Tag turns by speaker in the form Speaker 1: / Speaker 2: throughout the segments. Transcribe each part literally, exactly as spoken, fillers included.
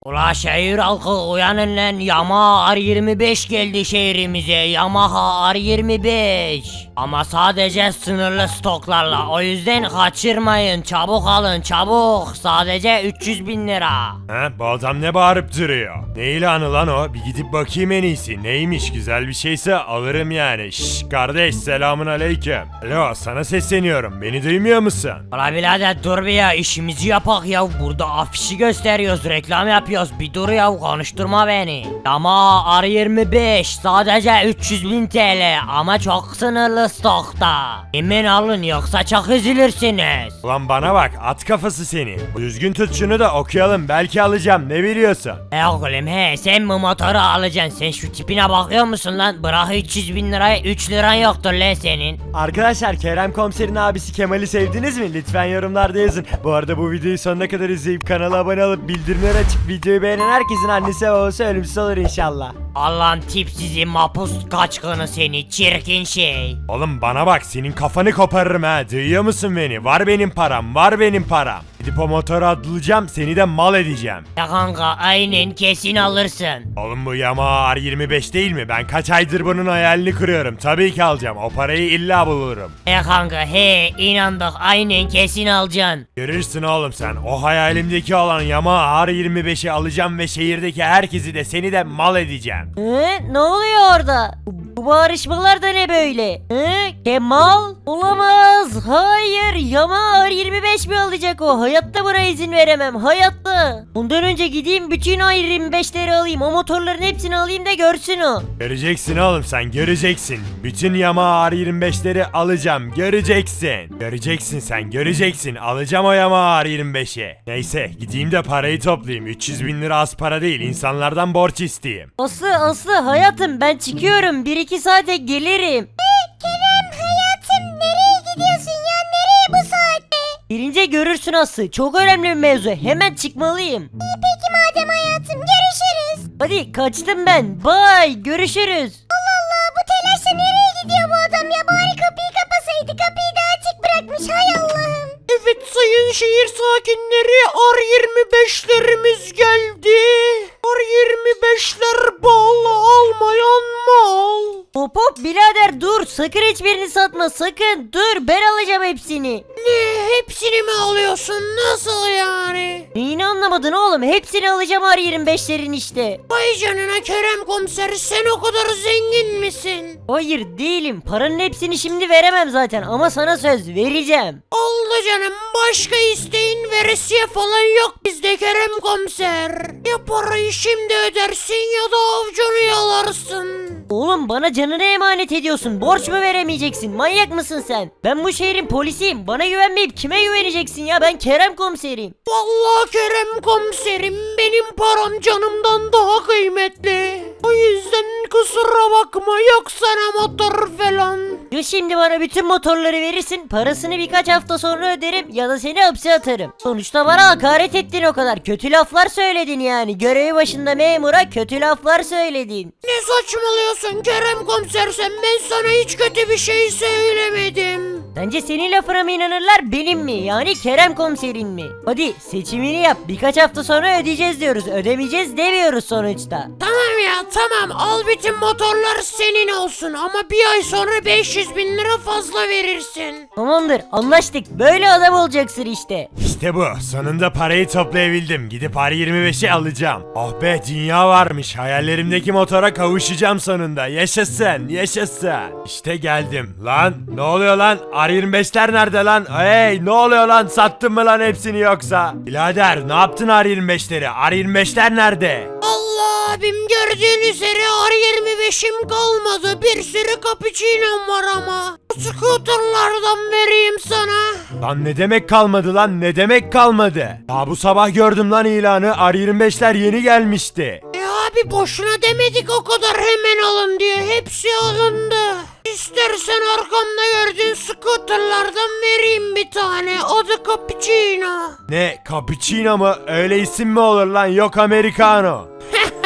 Speaker 1: Ula şehir halkı uyanın lan, Yamaha R yirmi beş geldi şehrimize, Yamaha R yirmi beş. Ama sadece sınırlı stoklarla, o yüzden kaçırmayın, çabuk alın çabuk, sadece üç yüz bin lira.
Speaker 2: He, bu adam ne bağırıp duruyor? Ne ilanı lan o? Bir gidip bakayım en iyisi. Neymiş, güzel bir şeyse alırım yani. Şşş kardeş, selamun aleyküm. Alo, sana sesleniyorum, beni duymuyor musun?
Speaker 1: Ula birader dur bir ya, işimizi yapak ya, burada afişi gösteriyoruz, reklam yapıyoruz, bir dur ya, konuşturma beni. Yamaha R yirmi beş sadece üç yüz bin T L ama çok sınırlı stokta. Hemen alın yoksa çok üzülürsünüz.
Speaker 2: Ulan bana bak, at kafası seni. Düzgün tut şunu da okuyalım, belki alacağım, ne biliyorsun?
Speaker 1: E oğlum he, sen bu motoru alacaksın, sen şu tipine bakıyor musun lan? Bırak üç yüz bin lirayı, üç liran yoktur lan senin.
Speaker 3: Arkadaşlar, Kerem Komiser'in abisi Kemal'i sevdiniz mi? Lütfen yorumlarda yazın. Bu arada bu videoyu sonuna kadar izleyip kanala abone olup bildirimleri açıp videoyu beğenen herkesin annesi ve babası ölümsüz olur inşallah.
Speaker 1: Allah'ın tipsizi mapus kaçkını seni, çirkin şey.
Speaker 2: Oğlum bana bak, senin kafanı koparırım ha, duyuyor musun beni? Var benim param, var benim param. Gidip o motoru atlayacağım, seni de mal edeceğim.
Speaker 1: Ya kanka aynen, kesin alırsın.
Speaker 2: Oğlum bu Yamaha R yirmi beş değil mi? Ben kaç aydır bunun hayalini kuruyorum. Tabii ki alacağım. O parayı illa bulurum.
Speaker 1: E kanka he, inandık, aynen kesin alacaksın.
Speaker 2: Görürsün oğlum sen. O hayalimdeki olan Yamaha R yirmi beşi alacağım ve şehirdeki herkesi de seni de mal edeceğim.
Speaker 1: He, ne oluyor orada? Bu, bu bağırışmalar da ne böyle? He, Kemal? Olamaz, hayır, Yamaha R yirmi beş mi alacak o? Hayatta buna izin veremem, hayatta. Bundan önce gideyim bütün R yirmi beşleri alayım, o motorların hepsini alayım da görsün o.
Speaker 2: Göreceksin oğlum sen, göreceksin. Bütün Yamaha R yirmi beşleri alacağım, göreceksin. Göreceksin sen, göreceksin. Alacağım o Yamaha R yirmi beşi. Neyse, gideyim de parayı toplayayım. üç yüz bin lira az para değil, insanlardan borç isteyeyim.
Speaker 1: Aslı Aslı hayatım, ben çıkıyorum, bir iki saate gelirim.
Speaker 4: Kerem hayatım, nereye gidiyorsun ya, nereye bu saatte?
Speaker 1: Gelince görürsün Aslı, çok önemli bir mevzu, hemen çıkmalıyım.
Speaker 4: İyi peki madem hayatım, görüşürüz.
Speaker 1: Hadi kaçtım ben, bye, görüşürüz.
Speaker 4: Allah Allah, bu telaşla nereye gidiyor bu adam ya, bari kapıyı kapasaydı, kapıyı da açık bırakmış, hay Allah'ım.
Speaker 1: Evet sayın şehir sakinleri, R yirmi beşlerimiz geldi. R yirmi beşler bal almayan mal. Hop hop birader dur, sakın hiçbirini satma, sakın dur, ben alacağım hepsini. Ne, hepsini mi alıyorsun, nasıl yani? Neyini anlamadın oğlum, hepsini alacağım R yirmi beşlerin işte. Vay canına Kerem komiser, sen o kadar zengin misin? Hayır değilim, paranın hepsini şimdi veremem zaten ama sana söz vereceğim. Oldu canım, başka isteğin veresiye falan yok bizde Kerem komiser. Ya parayı şimdi ödersin ya da avucunu yalarsın. Oğlum bana canını emanet ediyorsun, borç mu veremeyeceksin, manyak mısın sen? Ben bu şehrin polisiyim, bana güvenmeyip kime güveneceksin ya, ben Kerem komiserim. Vallahi Kerem komiserim, benim param canımdan daha kıymetli. O yüzden kusura bakma, yok sana motor falan. Ya şimdi bana bütün motorları verirsin, parasını birkaç hafta sonra öderim ya da seni hapse atarım. Sonuçta bana hakaret ettin, o kadar kötü laflar söyledin yani, görevi başında memura kötü laflar söyledin. Ne saçmalıyorsun Kerem komiser, sen, ben sana hiç kötü bir şey söylemedim. Sence senin lafına mı inanırlar, benim mi, yani Kerem komiserin mi? Hadi seçimini yap, birkaç hafta sonra ödeyeceğiz diyoruz, ödemeyeceğiz demiyoruz sonuçta. Tamam ya tamam, al bütün motorlar senin olsun ama bir ay sonra beş yüz bin lira fazla verirsin. Tamamdır, anlaştık, böyle adam olacaksın işte.
Speaker 2: İşte bu, sonunda parayı toplayabildim. Gidip R yirmi beşi alacağım. Oh be, dünya varmış. Hayallerimdeki motora kavuşacağım sonunda. Yaşasın, yaşasın. İşte geldim. Lan ne oluyor lan? R yirmi beşler nerede lan? Hey, ne oluyor lan? Sattın mı lan hepsini yoksa? Birader, ne yaptın R yirmi beşleri? R yirmi beşler nerede?
Speaker 1: Allah abim, gördüğün üzere R yirmi beşim kalmadı, bir sürü cappuccino'm var ama. Scooterlardan vereyim sana.
Speaker 2: Lan ne demek kalmadı lan? Ne demek kalmadı? Daha bu sabah gördüm lan ilanı. R yirmi beşler yeni gelmişti.
Speaker 1: E abi boşuna demedik o kadar hemen alın diye, hepsi alındı. İstersen arkamda gördüğün scooterlardan vereyim bir tane, adı cappuccino.
Speaker 2: Ne? Cappuccino mu? Öyle isim mi olur lan? Yok Americano.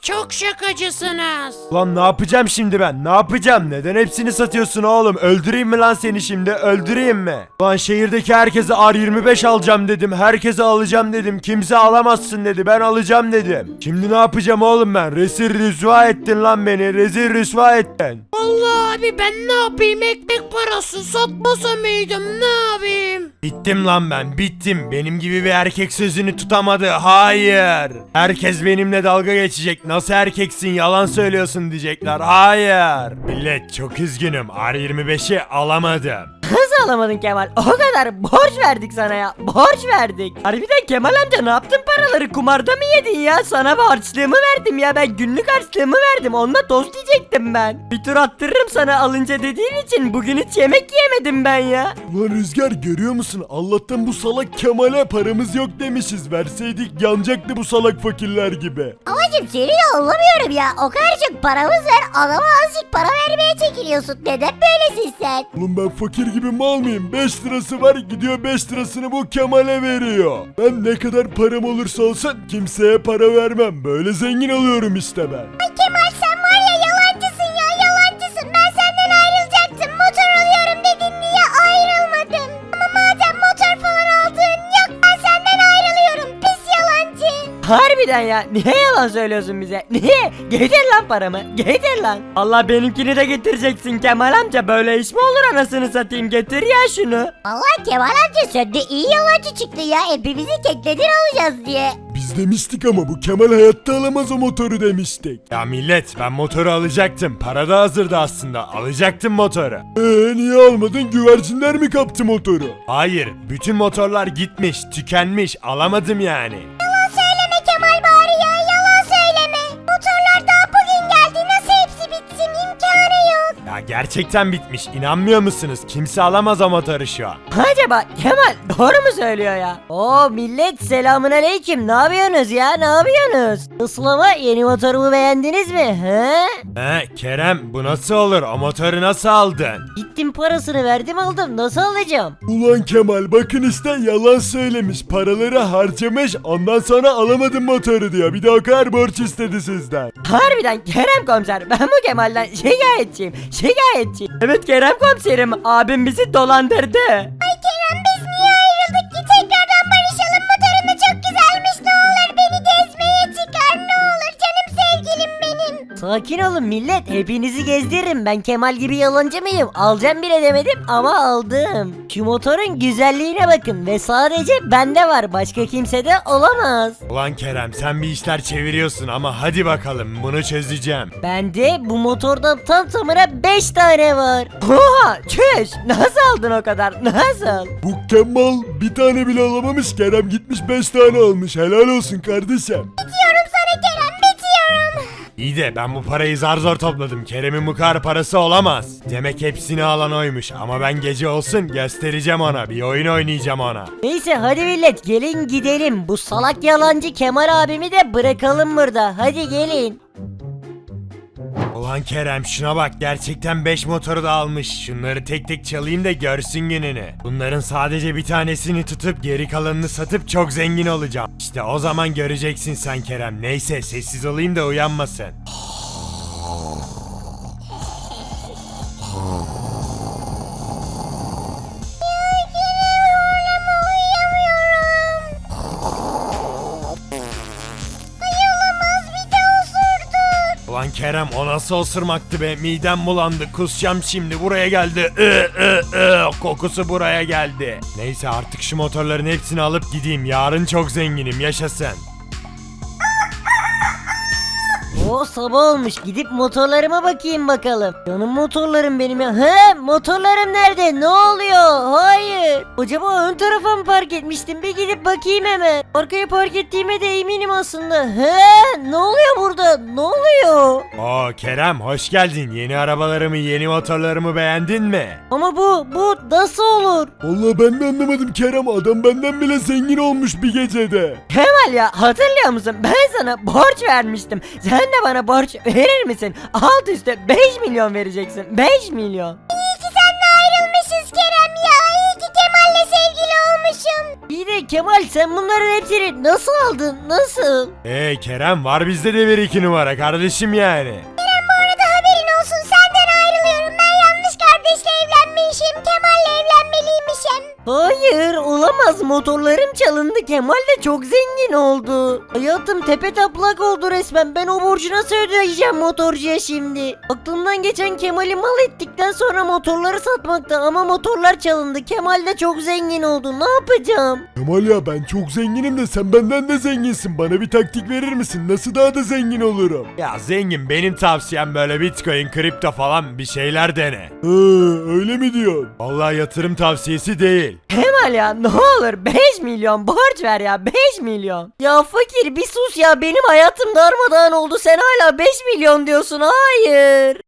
Speaker 1: çok şakacısınız.
Speaker 2: Lan ne yapacağım şimdi ben? Ne yapacağım? Neden hepsini satıyorsun oğlum? Öldüreyim mi lan seni şimdi? Öldüreyim mi? Lan şehirdeki herkese R yirmi beş alacağım dedim. Herkese alacağım dedim. Kimse alamazsın dedi. Ben alacağım dedim. Şimdi ne yapacağım oğlum ben? Rezil rüsva ettin lan beni. Rezil rüsva ettin.
Speaker 1: Vallahi abi ben ne yapayım, ekmek parası satmasa mıydım, ne yapayım?
Speaker 2: Bittim lan ben. Bittim. Benim gibi bir erkek sözünü tutamadı. Hayır. Herkes benimle dalga geçecek. Nasıl erkeksin? Yalan söylüyorsun diyecekler. Hayır. Millet çok üzgünüm. R yirmi beşi alamadım.
Speaker 3: Nasıl alamadın Kemal? O kadar borç verdik sana ya. Borç verdik. Harbiden Kemal amca ne yaptın paraları? Kumarda mı yedin ya? Sana harçlığımı verdim ya. Ben günlük harçlığımı verdim. Onunla tost yiyecektim ben. Bir tur attırırım sana alınca dediğin için. Bugün hiç yemek yemedim ben ya.
Speaker 2: Ulan Rüzgar görüyor musun? Allah'tan bu salak Kemal'e paramız yok demişiz. Verseydik yanacaktı bu salak fakirler gibi.
Speaker 4: Babacım seni de anlamıyorum ya. O kadar çok paramız var. Adama azıcık para vermeye çekiliyorsun. Neden böylesin sen?
Speaker 2: Oğlum ben fakir gibi mal mıyım? beş lirası var gidiyor beş lirasını bu Kemal'e veriyor. Ben ne kadar param olursa olsun kimseye para vermem. Böyle zengin oluyorum işte ben.
Speaker 4: Ay Kemal sen var ya yalancısın ya yalancısın. Ben senden ayrılacaktım. Motor alıyorum dedin diye ayrılmadın. Ama madem motor falan aldın yok ben senden ayrılıyorum. Pis yalancı.
Speaker 3: Harbiden ya. Niye yalan söylüyorsun bize? Niye? Getir lan paramı. Getir lan. Allah benimkini de getireceksin Kemal amca. Böyle iş mi olur anasını satayım? Getir ya şunu.
Speaker 4: Allah Kemal amca sen de iyi yalancı çıktın ya. Hepimizi kekledin alacağız diye.
Speaker 2: Biz demiştik ama bu Kemal hayatta alamaz o motoru demiştik. Ya millet ben motoru alacaktım. Para da hazırdı aslında. Alacaktım motoru. Eee niye almadın? Güvercinler mi kaptı motoru? Hayır. Bütün motorlar gitmiş, tükenmiş. Alamadım yani.
Speaker 4: Yalan söyleme Kemal bari ya yalan söyleme. Motorlar daha bugün geldi nasıl hepsi bitsin imkanı yok.
Speaker 2: Ya gerçekten bitmiş. İnanmıyor musunuz? Kimse alamaz o motoru şu an.
Speaker 3: Acaba Kemal doğru mu söylüyor ya? Oo millet selamun aleyküm. Ne yapıyorsunuz ya? Ne yapıyorsunuz? Nasıl ama yeni motorumu beğendiniz mi? He?
Speaker 2: He Kerem bu nasıl olur? O motoru nasıl aldın?
Speaker 3: Gittim parasını verdim aldım. Nasıl alacağım?
Speaker 2: Ulan Kemal bakın işte yalan söylemiş. Paraları harcamış. Ondan sonra alamadım motoru diyor. Bir de o kadar borç istedi sizden.
Speaker 3: Harbiden Kerem komiser ben bu Kemal'den şikayetçiyim. Şikayetçiyim. Evet Kerem komiserim abim bizi dolandırdı.
Speaker 4: Ay Kerem biz niye ayrıldık ki tekrardan barışalım motorun da çok güzelmiş ne olur beni gezmeye çıkar ne olur canım sevgilim benim.
Speaker 3: Sakin olun millet hepinizi gezdiririm ben Kemal gibi yalancı mıyım? Alacağım bile demedim ama aldım. Şu motorun güzelliğine bakın ve sadece bende var başka kimsede olamaz.
Speaker 2: Ulan Kerem sen bir işler çeviriyorsun ama hadi bakalım bunu çözeceğim.
Speaker 3: Bende bu motordan tam tamına beş tane var. Oha çüş nasıl aldın o kadar nasıl?
Speaker 2: Bu Kemal bir tane bile alamamış. Kerem gitmiş beş tane almış. Helal olsun kardeşim.
Speaker 4: Bitiyorum sana Kerem bitiyorum.
Speaker 2: İyi de ben bu parayı zar zor topladım. Kerem'in bu kadar parası olamaz. Demek hepsini alan oymuş. Ama ben gece olsun göstereceğim ona. Bir oyun oynayacağım ona.
Speaker 3: Neyse hadi millet gelin gidelim. Bu salak yalancı Kemal abimi de bırakalım burada. Hadi gelin.
Speaker 2: Ulan Kerem şuna bak gerçekten beş motoru da almış. Şunları tek tek çalayım da görsün gününü. Bunların sadece bir tanesini tutup geri kalanını satıp çok zengin olacağım. İşte o zaman göreceksin sen Kerem. Neyse sessiz olayım da uyanmasın. Ulan Kerem o nasıl osurmaktı be midem bulandı kusacağım şimdi buraya geldi ı, ı, ı, kokusu buraya geldi. Neyse artık şu motorların hepsini alıp gideyim yarın çok zenginim yaşasın.
Speaker 3: O sabah olmuş gidip motorlarıma bakayım bakalım. Canım motorlarım benim ya. He motorlarım nerede ne oluyor? Hayır. Acaba ön tarafa mı park etmiştim? Bir gidip bakayım hemen. Arkaya park ettiğime de eminim aslında. He ne oluyor burada? Ne oluyor?
Speaker 2: Oo Kerem hoş geldin yeni arabalarımı yeni motorlarımı beğendin mi?
Speaker 3: Ama bu bu nasıl olur?
Speaker 2: Vallahi ben de anlamadım Kerem adam benden bile zengin olmuş bir gecede.
Speaker 3: Kemal ya hatırlıyor musun? Ben sana borç vermiştim. Sen de bana borç verir misin? Alt üstte beş milyon vereceksin. beş milyon.
Speaker 4: İyi ki seninle ayrılmışız Kerem ya. İyi ki Kemal'le sevgili olmuşum.
Speaker 3: İyi de Kemal sen bunların hepsini nasıl aldın? Nasıl?
Speaker 2: Ee Kerem var bizde de bir iki numara kardeşim yani.
Speaker 4: Kerem bu arada haberin olsun senden ayrılıyorum. Ben yanlış kardeşle evlenmişim. Kemal'le evlenmeliymişim.
Speaker 3: Hayır olamaz, motorlarım çalındı, Kemal de çok zengin oldu. Hayatım tepe taplak oldu resmen, ben o borcu nasıl ödeyeceğim motorcuya şimdi? Aklımdan geçen Kemal'i mal ettikten sonra motorları satmakta ama motorlar çalındı, Kemal de çok zengin oldu, ne yapacağım?
Speaker 2: Kemal ya ben çok zenginim de sen benden de zenginsin. Bana bir taktik verir misin? Nasıl daha da zengin olurum? Ya zengin benim tavsiyem böyle bitcoin, kripto falan bir şeyler dene. Hı, öyle mi diyorsun? Vallahi yatırım tavsiyesi değil.
Speaker 3: Kemal ya ne olur beş milyon borç ver ya, beş milyon. Ya fakir bir sus ya, benim hayatım darmadağın oldu, sen hala beş milyon diyorsun, hayır.